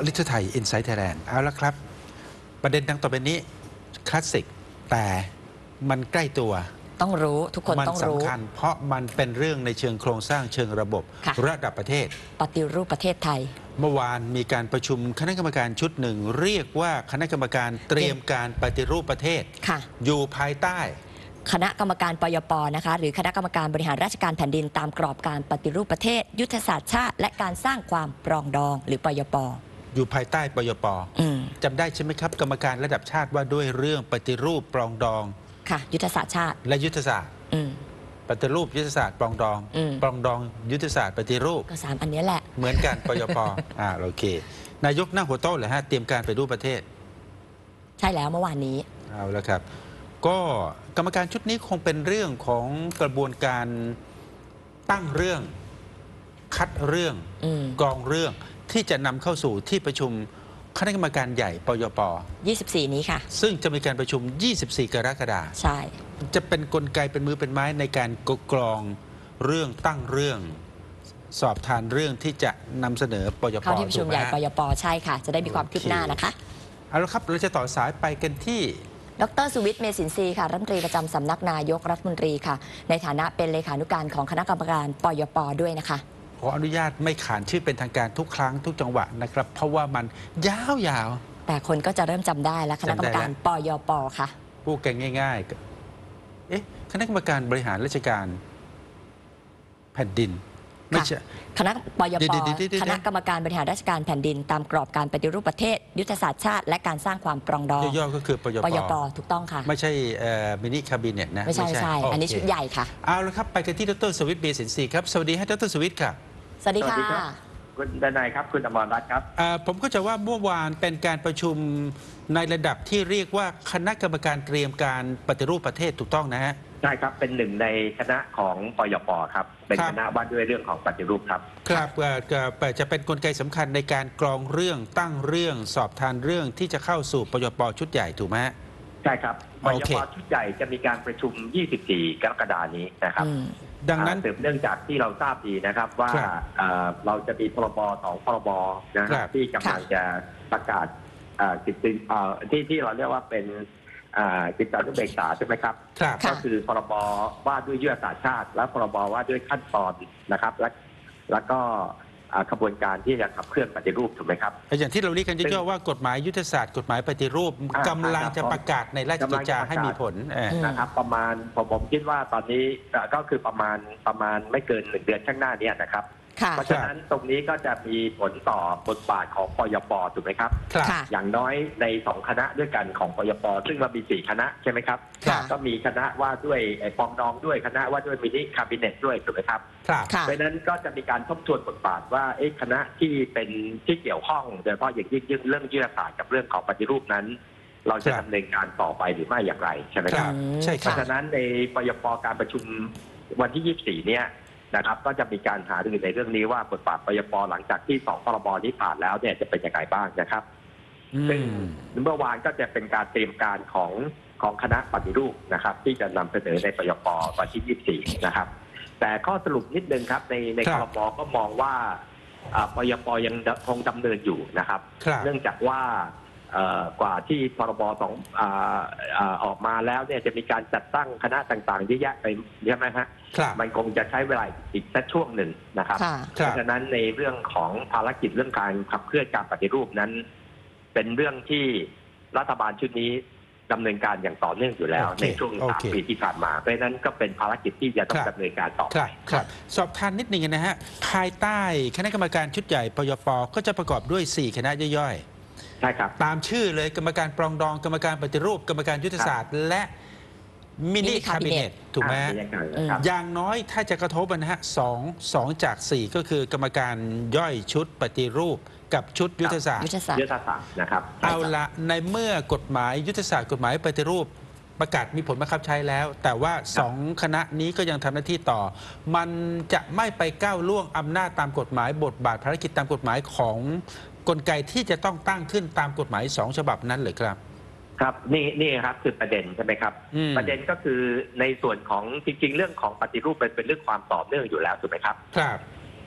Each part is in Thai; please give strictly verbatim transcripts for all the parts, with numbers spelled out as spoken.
ลิทไทยอินไซต์ไทยแลนด์เอาละครับประเด็นดังต่อไปนี้คลาสสิกแต่มันใกล้ตัวต้องรู้ทุกคนต้องรู้มันสำคัญเพราะมันเป็นเรื่องในเชิงโครงสร้างเชิงระบบระดับประเทศปฏิรูปประเทศไทยเมื่อวานมีการประชุมคณะกรรมการชุดหนึ่งเรียกว่าคณะกรรมการเตรียมการปฏิรูปประเทศอยู่ภายใต้คณะกรรมการปยป.นะคะหรือคณะกรรมการบริหารราชการแผ่นดินตามกรอบการปฏิรูปประเทศยุทธศาสตร์ชาติและการสร้างความปรองดองหรือปยป. อยู่ภายใต้ปยป.จำได้ใช่ไหมครับกรรมการระดับชาติว่าด้วยเรื่องปฏิรูปปรองดองค่ะยุทธศาสตร์ชาติและยุทธศาสตร์ปฏิรูปยุทธศาสตร์ปรองดองปรองดองยุทธศาสตร์ปฏิรูปก็สามอันนี้แหละเหมือนกันปยป.อ่าโอเคนายกนั่งหัวโต๊ะเลยฮะเตรียมการปฏิรูปประเทศใช่แล้วเมื่อวานนี้เอาแล้วครับก็กรรมการชุดนี้คงเป็นเรื่องของกระบวนการตั้งเรื่องคัดเรื่องกองเรื่องที่จะนำเข้าสู่ที่ประชุมคณะกรรมการใหญ่ปยป. ยี่สิบสี่ นี้ค่ะซึ่งจะมีการประชุมยี่สิบสี่กรกฎาคมใช่จะเป็นกลไกเป็นมือเป็นไม้ในการกรองเรื่องตั้งเรื่องสอบทานเรื่องที่จะนำเสนอปยป. เข้าที่ประชุมใหญ่ปยป.ใช่ค่ะจะได้มีความคืบหน้านะคะเอาละครับเราจะต่อสายไปกันที่ดร.สุวิทย์ เมษินทรีย์ค่ะรัฐมนตรีประจำสำนักนายกรัฐมนตรีค่ะในฐานะเป็นเลขานุการของคณะกรรมการปยป.ด้วยนะคะขออนุญาตไม่ขานชื่อเป็นทางการทุกครั้งทุกจังหวะนะครับเพราะว่ามันยาวๆแต่คนก็จะเริ่มจำได้แล้วคณะกรรมการปยป.ค่ะพูดกันง่ายๆเอ๊ะคณะกรรมการบริหารราชการแผ่นดินไม่ใช่คณะปยป.คณะกรรมการบริหารราชการแผ่นดินตามกรอบการปฏิรูปประเทศยุทธศาสตร์ชาติและการสร้างความปรองดองย่อๆก็คือปยป. ปยป.ถูกต้องค่ะไม่ใช่มินิคาบิเนตนะไม่ใช่ใช่อันนี้ชุดใหญ่ค่ะเอาละครับไปกันที่ดร.สุวิทย์ เมษินทรีย์ครับสวัสดีให้ดร.สุวิทย์ค่ะสวัสดีค่ะคุณดนัยครับคุณอมรรัตน์ครับผมก็จะว่าเมื่อวานเป็นการประชุมในระดับที่เรียกว่าคณะกรรมการเตรียมการปฏิรูปประเทศถูกต้องนะฮะใช่ครับเป็นหนึ่งในคณะของปยป.ครับเป็นคณะว่าด้วยเรื่องของปฏิรูปครับครับจะเป็นกลไกสำคัญในการกรองเรื่องตั้งเรื่องสอบทานเรื่องที่จะเข้าสู่ปยป.ชุดใหญ่ถูกไหมใช่ครับปยป.ชุดใหญ่จะมีการประชุมยี่สิบสี่กรกฎาคมนี้นะครับดังนั้นสืบเนื่องจากที่เราทราบดีนะครับว่าเราจะมีพรบสองพรบนะครับที่กำลังจะประกาศกิจที่ที่เราเรียกว่าเป็นกิจการนุเบกษาใช่ไหมครับก็คือพรบว่าด้วยยุทธศาสตร์ชาติและพรบว่าด้วยขั้นตอนนะครับและแล้วก็กระบวนการที่จะขับเคลื่อนปฏิรูปถูกไหมครับอย่างที่เราเรียกกันย่อๆว่ากฎหมายยุทธศาสตร์กฎหมายปฏิรูปกำลังจะประกาศในราชกิจจาให้มีผลนะครับประมาณผมผมคิดว่าตอนนี้ก็คือประมาณประมาณไม่เกินหนึ่งเดือนข้างหน้านี้นะครับเพราะฉะนั้นตรงนี้ก็จะมีผลต่อบทบาทของปยป.ถูกไหมครับอย่างน้อยในสองคณะด้วยกันของปยป.ซึ่งเรามีสี่คณะใช่ไหมครับก็มีคณะว่าด้วยปองดองด้วยคณะว่าด้วยมินิคาบิเนตด้วยถูกไหมครับเพราะนั้นก็จะมีการทบทวนบทบาทว่าคณะที่เป็นที่เกี่ยวข้องโดยเฉพาะอย่างยิ่งเรื่องยุทธศาสตร์กับเรื่องของปฏิรูปนั้นเราจะดำเนินการต่อไปหรือไม่อย่างไรใช่ไหมครับเพราะฉะนั้นในปยป.การประชุมวันที่ยี่สิบสี่เนี่ยนะครับก็จะมีการหารือในเรื่องนี้ว่าบทบาทปยป.หลังจากที่สองพรบนี้ผ่านแล้วเนี่ยจะเป็นยังไงบ้างนะครับซึ่งเมื่อวานก็จะเป็นการเตรียมการของของคณะปฏิรูปนะครับที่จะนำเสนอในปยป.วันที่ยี่สิบสี่นะครับแต่ข้อสรุปนิดนึงครับในในครม.ก็มองว่าปยป.ยังคงดำเนินอยู่นะครับเนื่องจากว่ากว่าที่พรบสองออกมาแล้วเนี่ยจะมีการจัดตั้งคณะต่างๆเยอะแยะไปใช่ไหมฮะมันคงจะใช้เวลาอีกสักช่วงหนึ่งนะครับเพราะฉะนั้นในเรื่องของภารกิจเรื่องการขับเคลื่อนการปฏิรูปนั้นเป็นเรื่องที่รัฐบาลชุดนี้ดำเนินการอย่างต่อเนื่องอยู่แล้วในช่วงสามปีที่ผ่านมาเพราะฉะนั้นก็เป็นภารกิจที่จะต้องดำเนินการต่อไปครับสอบทานนิดนึงนะฮะภายใต้คณะกรรมการชุดใหญ่ปยป.ก็จะประกอบด้วยสี่คณะย่อยๆใช่ครับตามชื่อเลยกรรมการปรองดองกรรมการปฏิรูปกรรมการยุทธศาสตร์และมินิคาบิเนตถูกไหมอย่างน้อยถ้าจะกระทบนะฮะสองสองจากสี่ก็คือกรรมการย่อยชุดปฏิรูปกับชุดยุทธศาสตร์ยุทธศาสตร์นะครับเอาละในเมื่อกฎหมายยุทธศาสตร์กฎหมายปฏิรูปประกาศมีผลบังคับใช้แล้วแต่ว่าสองคณะนี้ก็ยังทำหน้าที่ต่อมันจะไม่ไปก้าวล่วงอำนาจตามกฎหมายบทบาทภารกิจตามกฎหมายของกลไกที่จะต้องตั้งขึ้นตามกฎหมายสองฉบับนั้นเลยครับครับนี่นี่ครับคือประเด็นใช่ไหมครับประเด็นก็คือในส่วนของจริงๆเรื่องของปฏิรูปเป็นเป็นเรื่องความต่อเนื่องอยู่แล้วถูกไหมครับครับ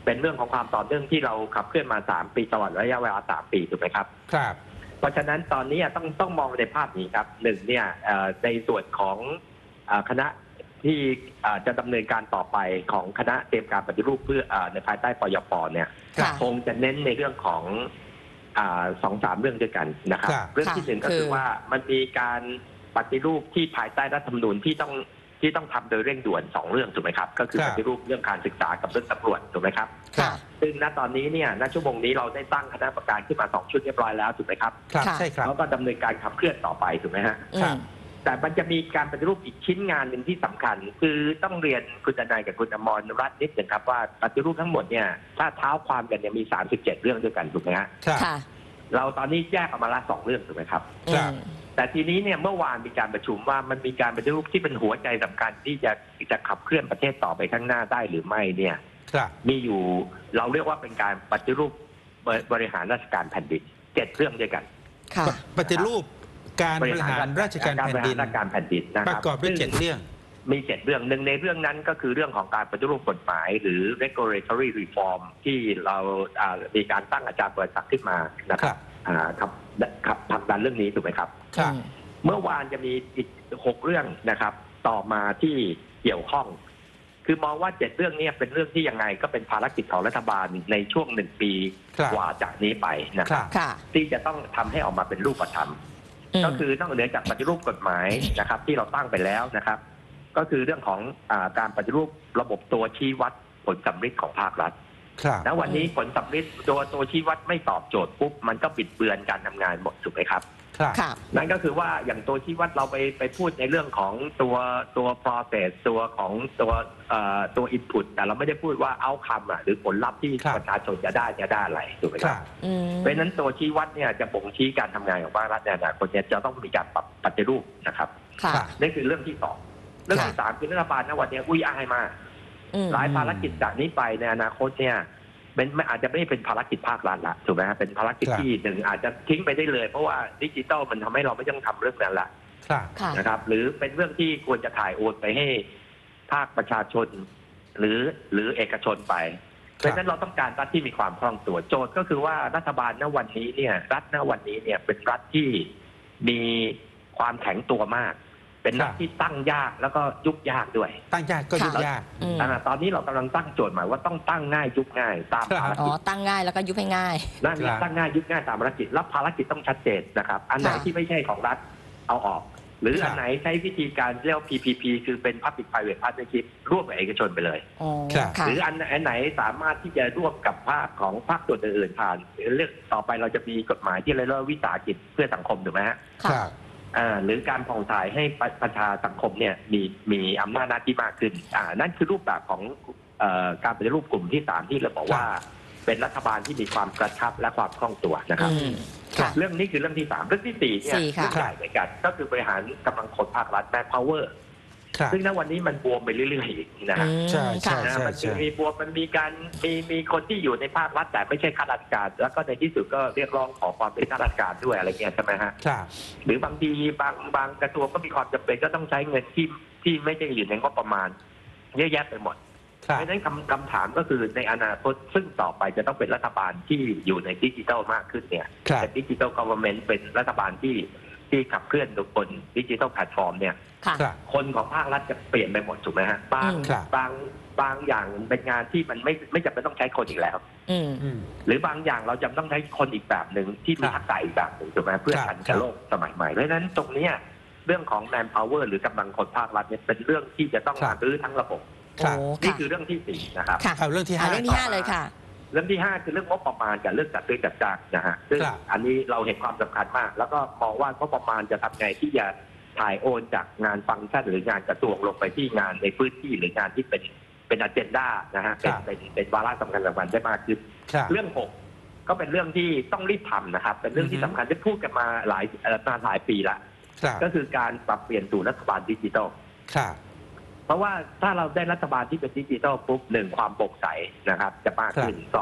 เป็นเรื่องของความต่อเนื่องที่เราขับเคลื่อนมาสามปีตลอดระยะเวลาสามปีถูกไหมครับครับเพราะฉะนั้นตอนนี้ต้องต้องมองในภาพนี้ครับหนึ่งเนี่ยในส่วนของคณะที่จะดำเนินการต่อไปของคณะเตรียมการปฏิรูปเพื่อในภายใต้ปยป.เนี่ยคงจะเน้นในเรื่องของสองสามเรื่องด้วยกันนะครับเรื่องที่หนึ่งก็คือว่ามันมีการปฏิรูปที่ภายใต้รัฐธรรมนูญที่ต้องที่ต้องทำโดยเร่งด่วนสองเรื่องถูกไหมครับก็คือปฏิรูปเรื่องการศึกษากับเรื่องตำรวจถูกไหมครับซึ่งณตอนนี้เนี่ยณชั่วโมงนี้เราได้ตั้งคณะกรรมการขึ้นมาสองชุดเรียบร้อยแล้วถูกไหมครับใช่ครับแล้วก็ดำเนินการขับเคลื่อนต่อไปถูกไหมฮะแต่มันจะมีการปฏิรูปอีกชิ้นงานหนึ่งที่สำคัญคือต้องเรียนคุณทนายกับคุณอมรรัตน์นิดหนึ่งครับว่าปฏิรูปทั้งหมดเนี่ยถ้าเท้าความกันเนี่ยมีสามสิบเจ็ดเรื่องด้วยกันถูกไหมฮะเราตอนนี้แยกออกมาละสองเรื่องถูกไหมครับแต่ทีนี้เนี่ยเมื่อวานมีการประชุมว่ามันมีการปฏิรูปที่เป็นหัวใจสำคัญที่จะจะขับเคลื่อนประเทศต่อไปข้างหน้าได้หรือไม่เนี่ยมีอยู่เราเรียกว่าเป็นการปฏิรูปบริหารราชการแผ่นดินเจ็ดเรื่องด้วยกันปฏิรูปการบริหารราชการแผ่นดินการแผ่นดินนะคปรับระกอบด้วยเจ็ดเรื่องมีเจ็ดเรื่องหนึ่งในเรื่องนั้นก็คือเรื่องของการปฏิรูปกฎหมายหรือ regulatory reform ที่เรามีการตั้งอาจารย์เปิดศักดิ์ขึ้นมานะครับครับครับผลักดันเรื่องนี้ถูกไหมครับเมื่อวานจะมีอีกหกเรื่องนะครับต่อมาที่เกี่ยวข้องคือมองว่าเจ็ดเรื่องนี้เป็นเรื่องที่ยังไงก็เป็นภารกิจของรัฐบาลในช่วงหนึ่งปีกว่าจากนี้ไปนะครับที่จะต้องทำให้ออกมาเป็นรูปธรรมก็คือนอกเหนือจากปฏิรูปกฎหมายนะครับที่เราตั้งไปแล้วนะครับก็คือเรื่องของอาการปฏิรูประบบตัวชี้วัดผลสำฤทธิ์ของภาครัฐณวันนี้ผลสำฤทธิ์ตัวตัวชี้วัดไม่ตอบโจทย์ปุ๊บมันก็ปิดเบือนการทำงานหมดถูกไหมครับนั่นก็คือว่าอย่างตัวชี้วัดเราไปไปพูดในเรื่องของตัวตัว process ตัวของตัวตัว input แต่เราไม่ได้พูดว่า outcome อ่ะหรือผลลัพธ์ที่ประชาชนจะได้จะได้อะไรถูกไหมครับเพราะฉะนั้นตัวชี้วัดเนี่ยจะบ่งชี้การทำงานของภาครัฐในอนาคตจะต้องมีการปรับปฏิรูปนะครับนี่คือเรื่องที่สองเรื่องที่สามคือรัฐบาลณวันนี้อุ้ยอ้ายมากหลายภารกิจจากนี้ไปในอนาคตเนี่ยเป็นไม่อาจจะไม่เป็นภารกิจภาครัฐละถูกไหมครับเป็นภารกิจที่หนึ่งอาจจะทิ้งไปได้เลยเพราะว่าดิจิตอลมันทำให้เราไม่ต้องทำเรื่องนั้นละนะครับหรือเป็นเรื่องที่ควรจะถ่ายโอนไปให้ภาคประชาชนหรือหรือเอกชนไปเพราะฉะนั้นเราต้องการรัฐที่มีความคล่องตัวโจทย์ก็คือว่ารัฐบาลณวันนี้เนี่ยรัฐณวันนี้เนี่ยเป็นรัฐที่มีความแข็งตัวมากเป็นรัฐที่ตั้งยากแล้วก็ยุบยากด้วยตั้งยากก็ยุบยากตอนนี้เรากำลังตั้งโจทย์หมายว่าต้องตั้งง่ายยุบง่ายตามภารกิจอ๋อตั้งง่ายแล้วก็ยุบให้ง่ายนั่นตั้งง่ายยุบง่ายตามภารกิจแล้วภารกิจต้องชัดเจนนะครับอันไหนที่ไม่ใช่ของรัฐเอาออกหรืออันไหนใช้วิธีการเรียก พี พี พี คือเป็น Public Private Partnership ร่วมกับเอกชนไปเลยหรืออันไหนสามารถที่จะร่วมกับภาคของภาคส่วนอื่นๆผ่านเรื่องต่อไปเราจะมีกฎหมายที่เรียกว่าวิสาหกิจเพื่อสังคมถูกไหมฮะหรือการผ่องถ่ายให้ประชาสังคมเนี่ยมีมีอำนาจหน้าที่มากขึ้นอ่านั่นคือรูปแบบของเอ่อการปฏิรูปกลุ่มที่สามที่เราบอกว่าเป็นรัฐบาลที่มีความกระชับและความคล่องตัวนะครับเรื่องนี้คือเรื่องที่สามเรื่องที่สี่เนี่ยเรื่องใหญ่เหมือนกันก็คือบริหารกำลังคนภาครัฐ manpower ซึ่งณวันนี้มันบวมไปเรื่อยๆนะฮะใช่ใช่มันมีบวมมันมีการมีมีคนที่อยู่ในภาครัฐแต่ไม่ใช่ข้าราชการแล้วก็ในที่สุดก็เรียกร้องขอความเป็นข้าราชการด้วยอะไรเงี้ยใช่ไหมฮะหรือบางทีบางบางกระทรวงก็มีความจำเป็นก็ต้องใช้เงินที่ที่ไม่ได้อยู่ในงบประมาณเยอะแยะไปหมดเพราะฉะนั้นคำคำถามก็คือในอนาคตซึ่งต่อไปจะต้องเป็นรัฐบาลที่อยู่ในดิจิทัลมากขึ้นเนี่ยเป็นดิจิทัลกอเวอร์เมนต์เป็นรัฐบาลที่ที่ขับเคลื่อนบนดิจิทัลแพลตฟอร์มเนี่ยคนของภาครัฐจะเปลี่ยนไปหมดถูกไหมฮะบางบางบางอย่างเป็นงานที่มันไม่ไม่จำเป็นต้องใช้คนอีกแล้วหรือบางอย่างเราจำต้องใช้คนอีกแบบหนึ่งที่มีทักษะอีกแบบหนึ่งถูกไหมเพื่อทันกับโลกสมัยใหม่เพราะฉะนั้นตรงนี้เรื่องของ manpower หรือกำลังคนภาครัฐเนี่ยเป็นเรื่องที่จะต้องรื้อทั้งระบบนี่คือเรื่องที่สี่นะครับเอาเรื่องที่ห้าเรื่องที่ห้าเลยค่ะเรื่องที่ห้าคือเรื่องงบประมาณกับเรื่องจัดซื้อจัดจ้างนะฮะซึ่งอันนี้เราเห็นความสำคัญมากแล้วก็มองว่างบประมาณจะทำไงที่จะถ่ายโอนจากงานฟังก์ชันหรืองานกระทรวงลงไปที่งานในพื้นที่หรืองานที่เป็นเป็นอเจนดานะฮะเป็นเป็นเป็นวาระสำคัญสำคัญได้มากขึ้นเรื่องหกก็เป็นเรื่องที่ต้องรีบทำนะครับเป็นเรื่องที่สำคัญที่พูดกันมาหลายนานหลายปีละก็คือการปรับเปลี่ยนสู่รัฐบาลดิจิทัลเพราะว่าถ้าเราได้รัฐบาลที่เป็นดิจิทัลปุ๊บหนึ่งความโปร่งใสนะครับจะมากขึ้นสอง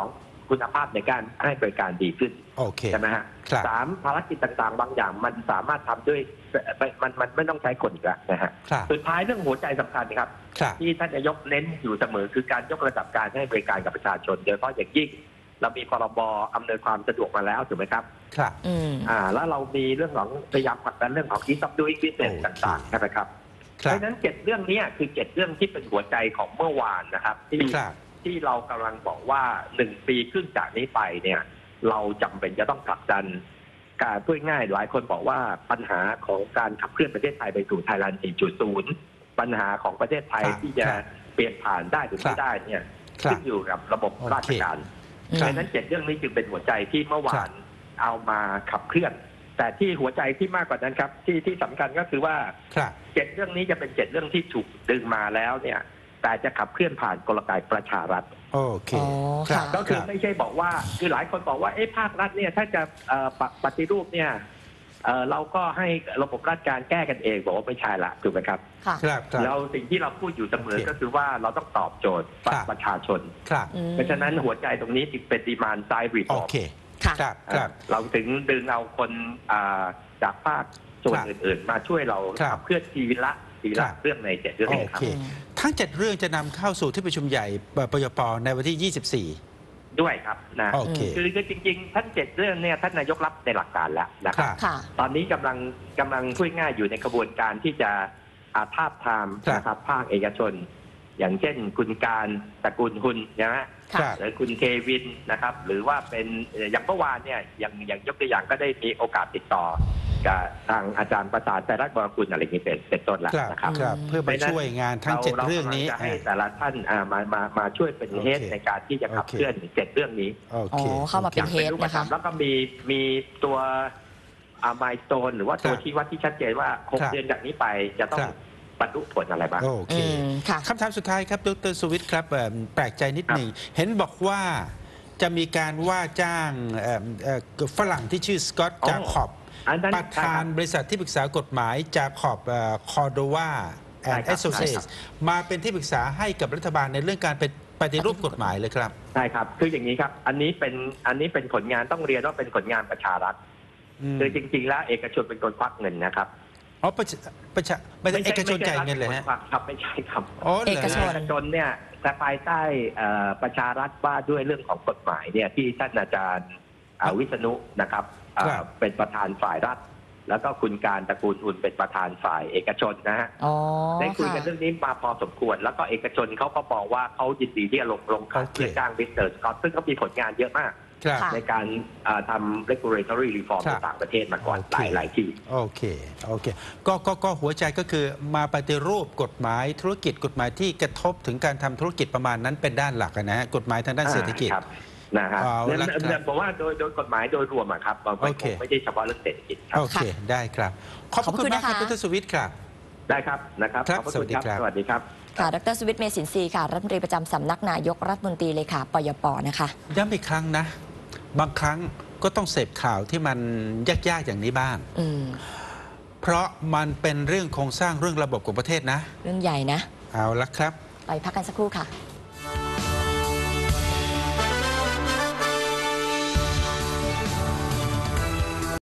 คุณภาพในการให้บริการดีขึ้นโอเคใช่ไหมฮะครับสามภารกิจต่างๆ บางอย่างมันสามารถทำด้วยมันมันไม่ต้องใช้คนอีกแล้วนะฮะครับสุดท้ายเรื่องหัวใจสำคัญครับครับที่ท่านนายกเน้นอยู่เสมอคือการยกระดับการให้บริการกับประชาชนโดยเฉพาะอย่างยิ่งเรามีพรบอำนวยความสะดวกมาแล้วถูกไหมครับครับอืมอ่าแล้วเรามีเรื่องของพยายามผลักดันเรื่องของ ease of doing business โอเคต่างๆใช่ไหมครับครัเพบราะฉะนั้นเจ็ดเรื่องนี้คือเจ็ดเรื่องที่เป็นหัวใจของเมื่อวานนะครับที่ครับที่เรากำลังบอกว่าหนึ่งปีครึ่งจากนี้ไปเนี่ยเราจำเป็นจะต้องผลักดันการพูดง่ายหลายคนบอกว่าปัญหาของการขับเคลื่อนประเทศไทยไปสู่ไทยแลนด์ สี่จุดศูนย์ ปัญหาของประเทศไทยครับที่จะเปลี่ยนผ่านได้หรือครัไม่บได้เนี่ยครับขึ้นอยู่กับระบบราชการโอเคเพราะฉะนั้นเจ็ดเรื่องนี้จึงเป็นหัวใจที่เมื่อวาครันบเอามาขับเคลื่อน แต่ที่หัวใจที่มากกว่านั้นครับที่ที่สำคัญก็คือว่าครับเจ็ดเรื่องนี้จะเป็นเจ็ดเรื่องที่ถูกดึงมาแล้วเนี่ยแต่จะขับเคลื่อนผ่านกลไกประชารัฐโอเคอ๋อครับค่ะก็คือรับไม่ใช่บอกว่าคือหลายคนบอกว่าเอ๊ะภาครัฐเนี่ยถ้าจะเอ่อปปฏิรูปเนี่ยเอ่อเราก็ให้ระบบราชการแก้กันเองบอกว่าไม่ใช่ละถูกไหมครับค่ะครับครับเราสิ่งที่เราพูดอยู่เสมอโอเคก็คือว่าเราต้องตอบโจทย์ครับประชาชนครับอืมเพราะฉะนั้นหัวใจตรงนี้จึงเป็นดีมานไซด์รีฟโออร์มเคค่ะครับครับเราถึงดึงเอาคนอ่าจากภาคส่วนครับอื่นๆ มาช่วยเราครับขับเคลื่อนทีละทีครัละบเรื่องในเจ็ดเรื่องโอนี้ครับเค ทั้งเจ็ดเรื่องจะนำเข้าสู่ที่ประชุมใหญ่ปยปในวันที่ ยี่สิบสี่ด้วยครับนะโอเคคือคือจริงๆท่านเจ็ดเรื่องเนี่ยท่านนายกรับในหลักการแล้วนะคครับ รับค่ะตอนนี้กำลังกำลังพูดง่ายอยู่ในกระบวนการที่จะอาทาบทามครับนะครับภาคเอกชน อย่างเช่นคุณการตระกูลหุนนะฮะครัค่ะบหรือคุณเทวินนะครับ หรือว่าเป็นเอ่ออย่างเมื่อวานเนี่ยอย่างอย่างยกตัวอย่างก็ได้มีโอกาสติดต่อกับทางอาจารย์ประสานแต่รัฐบรกุลอะไรอย่างนี้เป็นเป็นต้นแล้วครับนะครับครับ เพื่อมาช่วยงานทั้งเจ็ดเรื่องนี้ากำลัจะให้แต่ละท่านอ่ามามามาช่วยเป็นเฮดโอเคในการที่จะขับโอเคเคลื่อนเจ็ดเรื่องนี้โออ๋เคอ เข้ามาเป็นอย่างเฮเป็นดรูปนะธรคะรมแล้วก็มีมีตัวอามายโซนหรือว่าตัวครับชี้วัดที่ชัดเจนว่าหกครับเดือนจากนี้ไปจะต้องครับบรรลุผลอะไรบ้างโอเคอืม ค่ะคำถามสุดท้ายครับดรสุวิทย์ครับเอ่อแปลกใจนิดหนึ่ง เห็นบอกว่าจะมีการว่าจ้างเอ่อเอ่อฝรั่งที่ชื่อสกอตอ๋อจาคอบอันนั้นประธานบริษัทที่ปรึกษากฎหมายจาคอบคอร์โดวาแอนด์ใช่คแอรับสโซเชตมาเป็นที่ปรึกษาให้กับรัฐบาลในเรื่องการเป็นปฏิรูปกฎหมายเลยครับใช่ครับคืออย่างนี้ครับ อันนี้เป็นอันนี้เป็นผลงานต้องเรียนว่าเป็นผลงานประชารัฐอืมคือจริง ๆ แล้วเอกชนเป็นคนควักเงินนะครับอ๋อประชาประชาไม่ใช่เอกชนจ่ายเงินเลยฮะไม่ใช่รัฐป็คควักครับไม่ใช่ครับอ๋อเหรเอกชเอกชนเนี่ยแต่ภายใต้เอ่อประชารัฐว่าด้วยเรื่องของกฎหมายเนี่ยที่ท่านอาจารย์เอ่อวิษณุนะครับเอ่อครับเป็นประธานฝ่ายรัฐ แล้วก็คุณการตระกูลอุ่นเป็นประธานฝ่ายเอกชนนะฮะอ๋อได้คุยค่ะกันเรื่องนี้มาพอสมควร แล้วก็เอกชนเขาก็บอกว่าเขายินดีที่จะลงลงขันโอเคเพื่อจ้างมิสเตอร์สกอตซึ่งเขามีผลงานเยอะมากครับค่ะในการเอ่อทำ regulatory reform ครัในบต่างประเทศมาก่อนโอหเคลายหลายที่โอเค โอเค ก็ก็ก็หัวใจก็คือมาปฏิรูปกฎหมายธุรกิจกฎหมายที่กระทบถึงการทำธุรกิจประมาณนั้นเป็นด้านหลักอะนะฮะกฎหมายทางด้านเศรษฐกิจอ่าครับนะฮะเอาเนี่ยละครับเนี่ยผมว่าโดยโดยกฎหมายโดยรวมอะครับมันไม่โอเคไม่ใช่เฉพาะเรื่องเศรษฐกิจครับโอเค ได้ครับ ขอบพระคุณมากครับขอบคุณนะคะดรสุวิทย์ครับได้ครับนะครับครับขอบพระสวัคุสณดีครับครับสวัสดีครับค่ะ ดรสวิทย์ เมสินทรีย์ค่ะ รัฐมนตรีประจำสำนักนายกรัฐมนตรีเลยค่ะ ปยป นะคะย้ำอีกครั้งนะ บางครั้งก็ต้องเสพข่าวที่มันยากๆอย่างนี้บ้างอืมเพราะมันเป็นเรื่องโครงสร้างเรื่องระบบของประเทศนะเรื่องใหญ่นะเอาละครับไปพักกันสักครู่ค่ะ